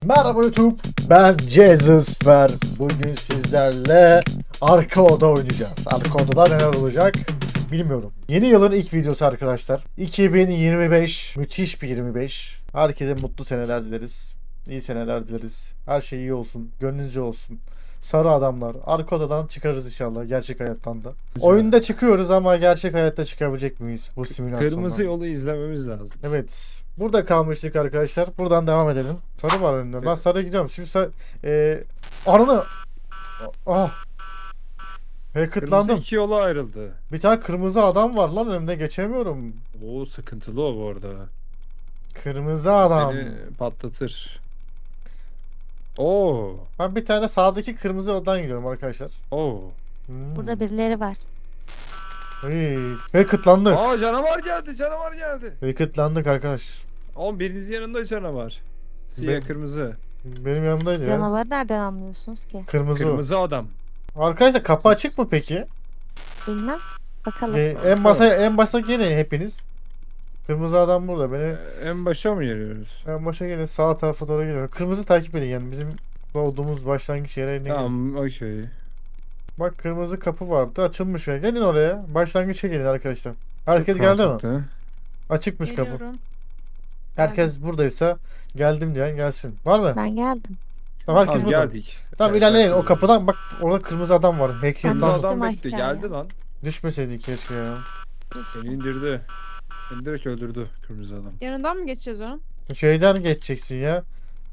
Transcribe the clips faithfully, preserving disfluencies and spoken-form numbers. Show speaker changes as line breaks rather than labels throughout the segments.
Merhaba YouTube, ben Cezusfer. Bugün sizlerle arka oda oynayacağız. Arka odada neler olacak bilmiyorum. Yeni yılın ilk videosu arkadaşlar. iki bin yirmi beş, müthiş bir yirmi beş. Herkese mutlu seneler dileriz. İyi seneler dileriz. Her şey iyi olsun, gönlünüzce olsun. Sarı adamlar. Arka odadan çıkarız inşallah, gerçek hayattan da. Oyunda çıkıyoruz ama gerçek hayatta çıkabilecek miyiz bu simülasyondan?
Kırmızı yolu izlememiz lazım.
Evet. Burada kalmıştık arkadaşlar. Buradan devam edelim. Sarı var önümde. Ben
Evet.
sarı gidiyorum. Şimdi sarı... Eee... Ananı... Ah!
Kırmızı
Hacketlandım.
iki yola ayrıldı.
Bir tane kırmızı adam var lan önümde geçemiyorum.
Oo, sıkıntılı o bu arada.
Kırmızı adam.
Seni patlatır. Oo.
Ben bir tane sağdaki kırmızı odadan gidiyorum arkadaşlar.
Oo.
Hmm.
Burada birileri var.
Hey. Hacketlandık.
Aa, canavar geldi, canavar geldi.
Hacketlandık arkadaş.
Oğlum birinizin yanında canavar. Siyah
Ben-
kırmızı.
Benim yanımdaydı ya.
Canavarı nereden anlıyorsunuz ki?
Kırmızı o.
Kırmızı adam.
Arkadaşlar kapı
Siz-
açık mı peki?
Bilmem. Bakalım.
Ee, en başa en başta gelin hepiniz. Kırmızı adam burada. Beni
Ee, en başa mı geliyoruz?
en başa gelin, sağ tarafa doğru gidiyorum. Kırmızı takip edin yani bizim doğduğumuz başlangıç yerine gelin.
Tamam, okey.
Bak kırmızı kapı vardı, açılmış ya. Gelin oraya. Başlangıça gelin arkadaşlar. Herkes geldi mi?
Mantıklı.
Açıkmış kapı.
Geliyorum.
Herkes buradaysa geldim diyen gelsin. Var mı?
Ben geldim.
Tamam, herkes
Tamam,
burada.
geldik.
Tamam,
Evet,
ilerleyin. O
herkes-
kapıdan bak, orada kırmızı adam var. Belki
Ben
Kırmızı
lan
de-
adam
Düştüm
bekliyor.
aşağıya.
Geldi lan.
düşmeseydik keşke ya.
Seni indirdi. Seni direkt öldürdü kırmızı adam.
Yanından mı geçeceğiz onun?
Şeyden geçeceksin ya.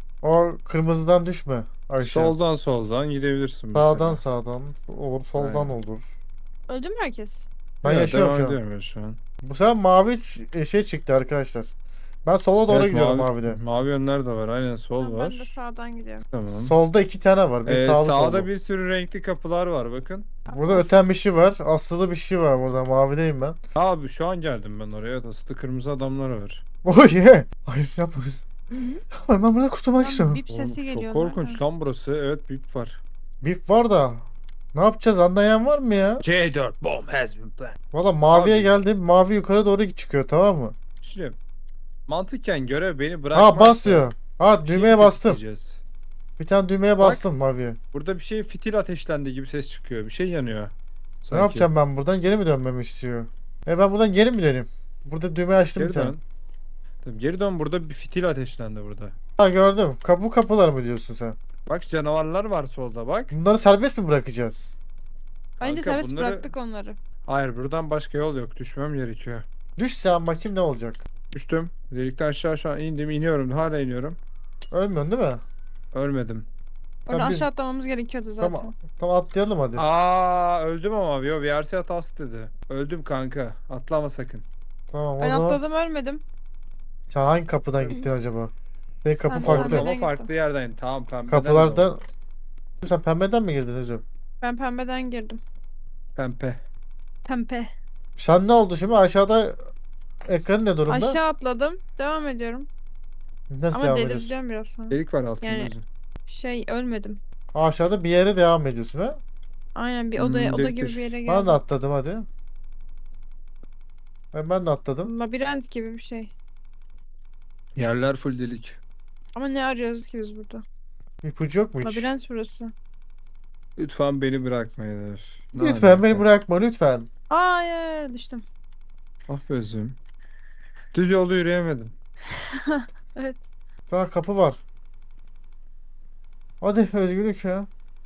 O kırmızıdan düşme. Aşağı.
Soldan soldan gidebilirsin mesela.
Sağdan sağdan olur, soldan
Aynen.
olur.
Öldü mü herkes?
Ben
Evet,
yaşıyorum
devam
şu an.
ediyorum ben şu an.
Bu sefer mavi ç- şey çıktı arkadaşlar. Ben sola doğru
Evet,
gidiyorum
mavi,
mavide.
mavi yönler de var. Aynen, sol
Tamam,
var.
ben de sağdan gidiyorum.
Tamam.
Solda iki tane var. Bir
Ee,
sağlı
sağda
sollu.
bir sürü renkli kapılar var, bakın.
Burada öten bir şey var. Aslılı bir şey var burada. Mavideyim ben.
Abi şu an geldim ben oraya. Evet, aslında kırmızı adamlar var.
Oh yeah. Hayır yapma. Ben burada kurtulmak
Lan
istiyorum.
bip sesi
Oğlum,
geliyor.
çok korkunç
nereden?
lan burası. Evet, bip var.
Bip var da. Ne yapacağız, anlayan var mı ya?
C dört bomb has been planted.
Valla maviye
Abi.
geldim. Mavi yukarı doğru çıkıyor, tamam mı?
Şimdi mantıken görev beni bırakmak.
Ha, bas diyor. Ha, düğmeye bastım. Bir tane düğmeye
Bak.
bastım maviye.
Burada bir şey fitil ateşlendi gibi ses çıkıyor. Bir şey yanıyor.
Ne
Sanki.
yapacağım ben buradan? Geri mi dönmemi istiyor? E ben buradan geri mi döneyim? Burada düğme açtım
Geri
bir tane.
dön. Tabii, geri dön, burada bir fitil ateşlendi burada.
Ha, gördüm. Kapı kapılar mı diyorsun sen?
Bak, canavarlar var solda bak.
Bunları serbest mi bırakacağız?
Bence
Kanka,
serbest
bunları-
bıraktık onları.
Hayır, buradan başka yol yok. Düşmem gerekiyor.
Düşsem bakayım ne olacak?
Düştüm. Delikten aşağı aşağı indim. iniyorum. Hala iniyorum.
Ölmüyorsun değil mi?
Ölmedim.
Oradan
Tamam, bir-
aşağı atlamamız gerekiyordu zaten.
Tamam. Tamam, atlayalım hadi.
Aa, öldüm ama. Yo, V R C hatası dedi. Öldüm kanka. Atlama sakın.
Tamam, o
Ben
zaman
atladım ölmedim.
sen hangi kapıdan gittin acaba? Senin kapı
Ben
farklı.
pembeden
Ama
gittim.
farklı yerden. Tamam, pembeden. o
Kapılardan...
zaman.
Sen pembeden mi girdin hocam?
Ben pembeden girdim.
Pempe.
Pempe.
Sen ne oldu şimdi? Aşağıda ekran ne durumda?
Aşağı atladım. Devam ediyorum.
Nasıl
Ama
devam ediyorsun?
delireceğim biraz sonra.
Delik var altında.
Yani-
uzun.
Şey ölmedim.
Aşağıda bir yere devam ediyorsun ha?
Aynen bir
Hmm,
odaya oda
delik
gibi
düş.
bir yere
Ben
geldim.
de atladım hadi. Ben, ben de atladım.
Labirent gibi bir şey.
Yerler full delik.
Ama ne arıyoruz ki biz burada?
İpucu yok mu hiç?
Labirent burası.
Lütfen beni bırakmayın. Ne
Lütfen
alaka?
beni bırakma lütfen.
Aa hayır düştüm.
Ah be özüm. Düz yolda yürüyemedim.
Evet.
Daha kapı var. Hadi özgürlük ya.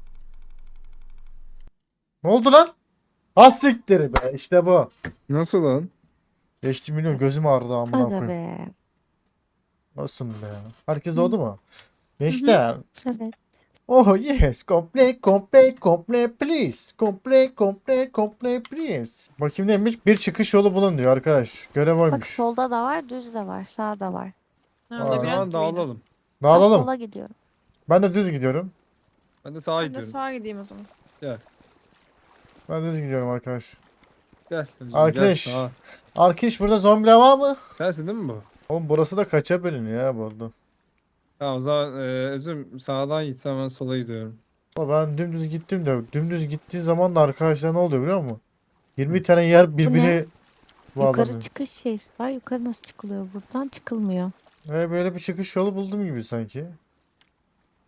Ne oldu lan? Az siktir be, işte bu.
Nasıl lan?
Geçti milyon, gözüm ağrıdı amına
Aga
koyayım.
be.
Nasıl be ya? Herkes doğdu mu? Gençler.
Evet.
Oh yes, complete, complete, complete please. Complete, complete, complete please. Bakayım neymiş? Bir çıkış yolu bulun diyor arkadaş. Görev
Bak
oymuş.
solda da var, düz de var, sağda var.
Ha,
Aa.
O
labirent
zaman
gibiydi.
dağılalım.
Ben
Dağılalım.
sola gidiyorum.
Ben de düz gidiyorum.
Ben de sağa
Ben de
gidiyorum.
sağa gideyim o zaman.
Gel.
Ben düz gidiyorum arkadaş.
Gel. Özüm,
Arkadaş.
Gel, sağa.
Arkadaş, burada zombiler var mı?
Sensin değil mi bu?
Oğlum burası da kaça bölünüyor ya bu arada.
Tamam, o zaman e, Özüm sağdan gitsem ben sola gidiyorum.
Ama ben dümdüz gittim de dümdüz gittiği zaman da arkadaşlar ne oluyor biliyor musun? yirmi tane yer birbirine
Yukarı
bağlanıyor.
çıkış şeysi var. Yukarı nasıl çıkılıyor buradan? Çıkılmıyor.
Ve böyle bir çıkış yolu buldum gibi sanki.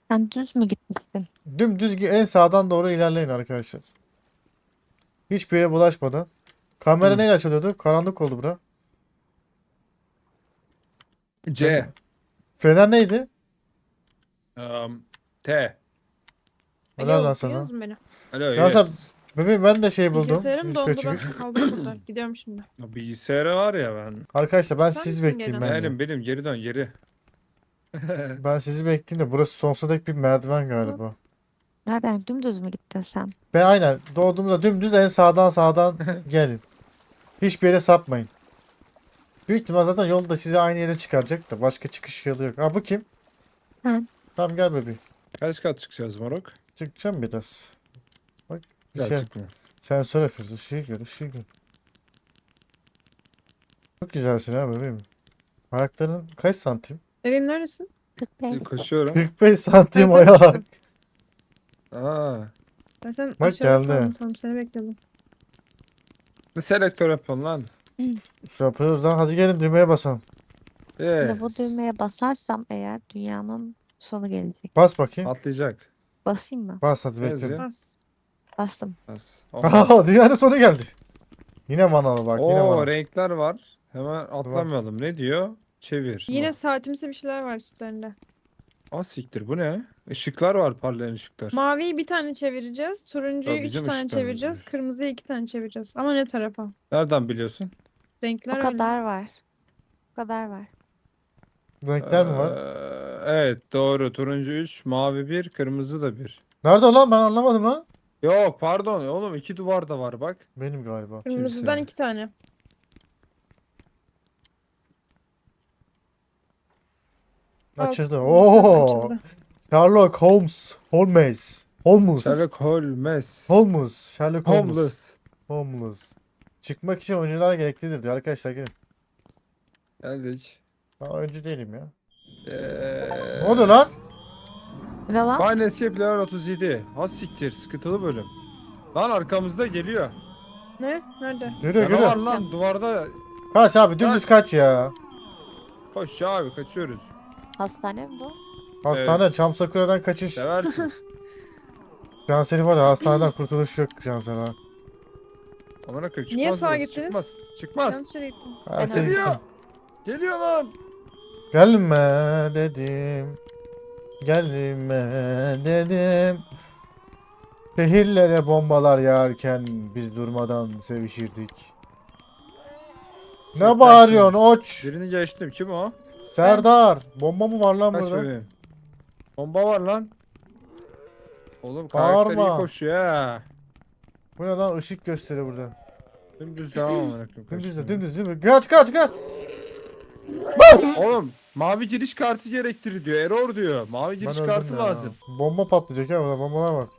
Sen düz mü gitmiştin?
Dümdüz gi- en sağdan doğru ilerleyin arkadaşlar. Hiçbir yere bulaşmadan. Kamera
Hı.
neyle açılıyordu? Karanlık oldu bura.
C.
Fener neydi?
Um, T.
Helal lan
Alo,
sana.
duyuyor musun beni?
Alo
Ya sen-
yes.
Bebeğim ben de şey buldum.
Bilgisayarım dondu,
Kaçırmış.
ben kaldım burada. Gidiyorum şimdi.
Ya bilgisayarı var ya ben.
Arkadaşlar ben
Sen
sizi
misin
bekleyeyim
gelen?
bence.
Benim benim geri dön geri.
Ben sizi bekleyeyim de burası sonsuza dek bir merdiven galiba.
Nereden? Dümdüz mü gittin sen?
Ben aynen doğduğumuzda dümdüz en sağdan sağdan gelin. Hiçbir yere sapmayın. Büyük ihtimal zaten yolda sizi aynı yere çıkaracak da başka çıkış yolu yok. Ha bu kim?
Ben.
Tamam gel bebeğim.
Kaç kat çıkacağız moruk?
Çıkacağım biraz. Bak bir
Gel
şey.
çıkma.
Sensör yapıyoruz. Işığı gör, ışığı gör. Çok güzelsin ha bebeğim. Ayakların kaç santim?
Evin neresin?
kırk beş.
Koşuyorum.
kırk beş santim
Ay,
ayak.
kaçtın.
Aa.
Ben sen
Bak
aşağıda
geldi.
kaldın sanırım, seni bekledim.
Ne selektör yapıyorsun lan?
Şu yapıyoruz lan. Hadi gelin düğmeye basalım.
Şimdi bu
Yes.
düğmeye basarsam eğer dünyanın sonu gelecek.
Bas bakayım.
Atlayacak.
Basayım mı?
Bas hadi
Ne
bekle.
yazıyor?
Bas.
Bastım.
Bas.
Aha dünyanın sonu geldi. Yine manalı bak yine
Oo
manalı.
renkler var. Hemen atlamayalım. Ne diyor? Çevir.
Yine saatimsi bir şeyler var üstlerinde.
Aa siktir bu ne? Işıklar var parlayan ışıklar.
Maviyi bir tane çevireceğiz. Turuncuyu
Ya
üç
bizim
tane
ışıklarımız
çevireceğiz.
var.
Kırmızıyı iki tane çevireceğiz. Ama ne tarafa?
Nereden biliyorsun?
Renkler
O
öyle.
kadar var. O kadar var.
Renkler mi var?
Ee, evet doğru. Turuncu üç, mavi bir, kırmızı da bir.
Nerede lan ben anlamadım lan.
Yok pardon oğlum iki duvar da var bak.
Benim galiba.
Kırmızıdan
Kimse.
iki tane.
Açıldı.
Alt-
Oo.
açıldı.
Sherlock Holmes. Holmes. Holmes.
Sherlock Holmes.
Holmes. Sherlock Holmes.
Homeless.
Holmes. Çıkmak için oyuncular gereklidir diyor. Arkadaşlar gelin.
Geldik.
Ben oyuncu değilim ya.
Yes.
Ne oluyor lan?
Ne lan?
Fine Escape Level otuz yedi. Ha siktir sıkıntılı bölüm. Lan arkamızda geliyor.
Ne? Nerede?
Görüyor
Ya ne
görüyor.
var lan duvarda.
Kaç abi dümdüz kaç ya.
Koş ya abi kaçıyoruz.
Hastane mi bu?
Hastane
Evet.
Çamsakıra'dan kaçış.
Seversin.
Cansel'i var ya hastaneden kurtuluş yok Cansel ha.
Amına koyayım çıkmaz
Niye sağa
burası,
gittiniz?
Çıkmaz. Çıkmaz.
Yanlış yere gittim.
Herkes
öyle.
gitsin.
Geliyor lan.
Gelme dedim. Gelme dedim. Şehirlere bombalar yağarken biz durmadan sevişirdik. Ne bağırıyorsun oç?
Birini geçtim. Kim o?
Serdar. Bomba mı var lan
Kaç
burada?
bebeğim? Bomba var lan. Oğlum karakter
Bağırma.
iyi koşuyor ha.
Bu ne lan ışık gösteriyor burada.
Dümdüz devam amına koyayım.
Dümdüz de
kaçtım.
dümdüz değil mi? Kaç kaç kaç.
Oğlum mavi giriş kartı gerektirir diyor. Error diyor. Mavi giriş
Ben
kartı
öldüm ya.
lazım.
Bomba patlayacak ya burada bombalar var.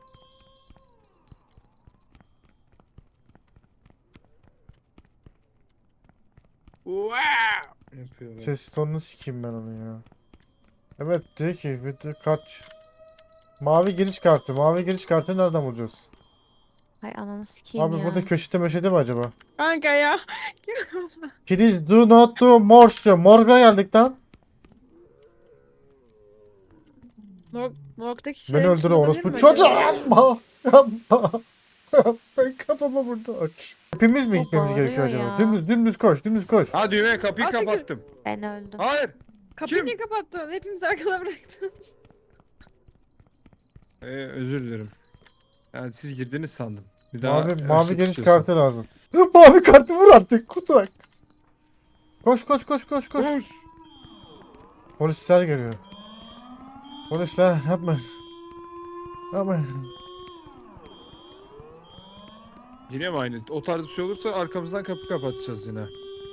Wow! Yapıyor böyle.
Ses tonunu sikeyim ben onu ya. Evet diyor ki bir de kaç. Mavi giriş kartı. Mavi giriş kartı nereden bulacağız?
Hay ananı sikeyim
Abi
ya.
burada köşede möşede mi acaba?
Kanka ya.
Please do not do more diyor. Morga geldik lan.
Morg, morgdaki
Beni
şeylerin
öldür
içinde olabilir
orospu
mi
çocuğu.
acaba?
Yapma. Yapma. Ben kafama vurdu aç. Hepimiz mi
O
gitmemiz gerekiyor
bağırıyor
acaba?
ya.
Dümdüz dümdüz koş dümdüz koş.
Ha düğmeye kapıyı
Aa, siktir.
kapattım.
Ben öldüm.
Hayır.
Kapıyı
Kim?
niye kapattın? Hepimiz arkada bıraktın.
Ee, özür dilerim. Yani siz girdiniz sandım. Bir daha
Mavi,
açmak
mavi giriş
istiyorsun.
kartı lazım. Mavi kartı vur artık kurtulak. Koş koş koş koş koş.
Koş.
Polisler geliyor. Polisler yapmayın. Yapmayın.
Yine mi aynı? O tarz bir şey olursa arkamızdan kapı kapatacağız yine.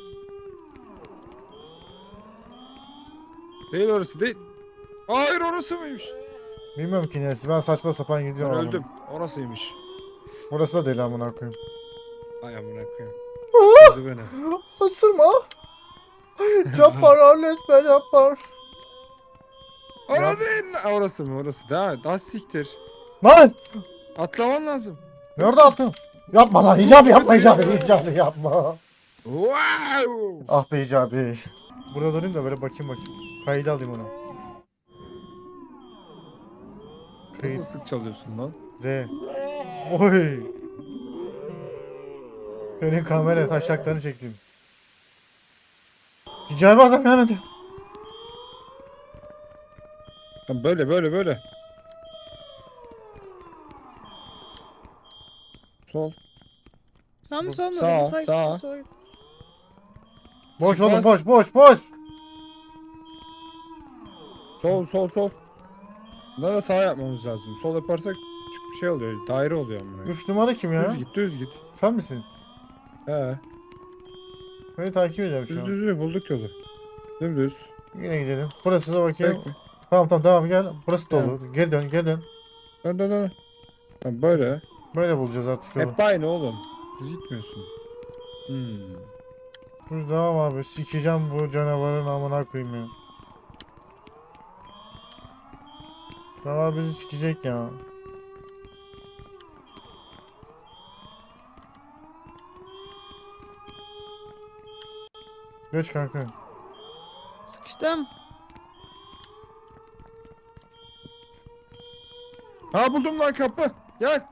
Değil orası değil. Hayır orası mıymış?
Bilmiyorum ki neresi. Ben saçma sapan
Ben
gidiyorum. ama.
öldüm. Orasıymış.
Burası da değil amına koyayım.
Ay amına koyayım.
Ah!
Öldü beni.
Isırma. Yapar halletme yapar.
Orası değil. Ha, orası mı? Orası. Daha, daha siktir.
Lan!
Atlaman lazım.
Nerede attın? Yapma lan icabi yapma icabi icabi yapma.
Wow!
Ah be icabi. Burada durayım da böyle bakayım bakayım. Kaydı alayım onu.
Nasıl sık çalıyorsun lan?
R. Oy. Senin kamera taşaklarını çektim. Hicabi adam gelmedi.
Ha, böyle böyle böyle. Sol.
Sağ mı
Bu-
sol mu?
sağ,
Sağa git,
sağ.
sola git.
Boş
Çıkmaz.
oğlum boş boş boş.
Sol sol sol. Buna da sağ yapmamız lazım. Sol yaparsak küçük bir şey oluyor. Daire oluyor amına.
Üç numara kim ya?
Düz git düz git.
Sen misin?
He.
Beni takip ediyorum şu
Düz
an.
düz düz bulduk yolu. Dümdüz.
Yine gidelim. Burası da bakayım.
Bekle.
Tamam tamam tamam gel. Burası
Tamam.
dolu. Geri dön geri dön.
Dön dön dön. Ha, böyle.
Böyle bulacağız artık yolu.
Hep aynı oğlum. Düz gitmiyorsun. Hmm.
Dur tamam abi. Sikeceğim bu canavarın amına koyayım ya. Canavar bizi sikecek ya. Geç kanka.
Sıkıştım.
Ha buldum lan kapı. Gel.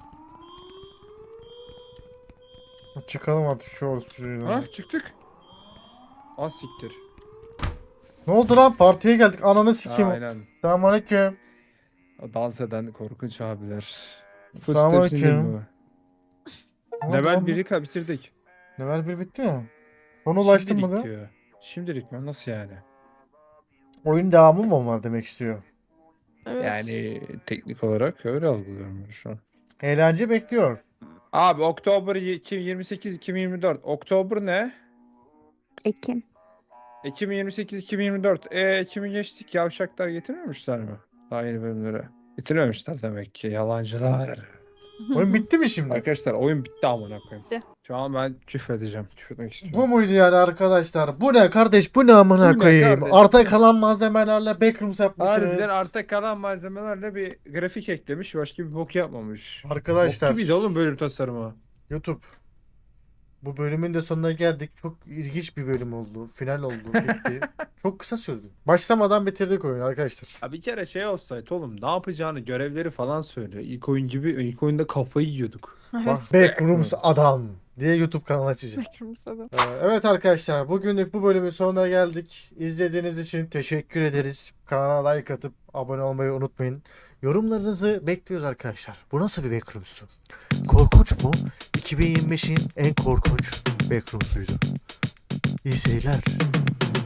Çıkalım artık şu orospu çocuğuyla.
Ha çıktık. Az siktir.
Ne oldu lan? Partiye geldik. Ananı sikeyim.
Aynen.
Selamünaleyküm.
O dans eden korkunç abiler.
Selamünaleyküm. Ne oldu
Level
lan?
biri ka- bitirdik.
Level bir bitti mi? Sona ulaştın mı
Şimdilik
da?
diyor. Şimdilik mi? Nasıl yani?
Oyun devamı mı var demek istiyor.
Evet.
Yani teknik olarak öyle algılıyorum ben şu an.
Eğlence bekliyor.
Abi Oktober yirmi sekiz iki bin yirmi dört. Oktober ne?
Ekim.
iki bin yirmi sekiz iki bin yirmi dört. E Ekim'i geçtik. Yavşaklar getirmemişler mi? Daha yeni bölümlere. Getirmemişler demek ki. Yalancılar.
Oyun bitti mi şimdi?
Arkadaşlar oyun bitti amına koyayım.
Bitti.
Şu an ben küfredeceğim. Küfretmek istiyorum.
Bu muydu yani arkadaşlar? Bu ne kardeş? Bu ne amına
Bu ne
koyayım?
kardeş?
Arta kalan malzemelerle backrooms yapmışsınız.
Harbiden arta kalan malzemelerle bir grafik eklemiş. Başka bir bok yapmamış.
Arkadaşlar
Bok gibiydi oğlum bölüm tasarımı.
YouTube. Bu bölümün de sonuna geldik. Çok ilginç bir bölüm oldu. Final oldu. Bitti. Çok kısa sürdü. Başlamadan bitirdik oyunu arkadaşlar.
Ha bir kere şey olsaydı oğlum ne yapacağını görevleri falan söylüyor. İlk oyun gibi ilk oyunda kafayı yiyorduk.
Bak Backrooms adam diye YouTube kanalı açacağım.
Bekliyorum
Ee, Evet arkadaşlar bugünlük bu bölümün sonuna geldik. İzlediğiniz için teşekkür ederiz. Kanala like atıp abone olmayı unutmayın. Yorumlarınızı bekliyoruz arkadaşlar. Bu nasıl bir backrooms'tu? Korkunç mu? iki bin yirmi beşin en korkunç backrooms'uydu. İyi seyirler.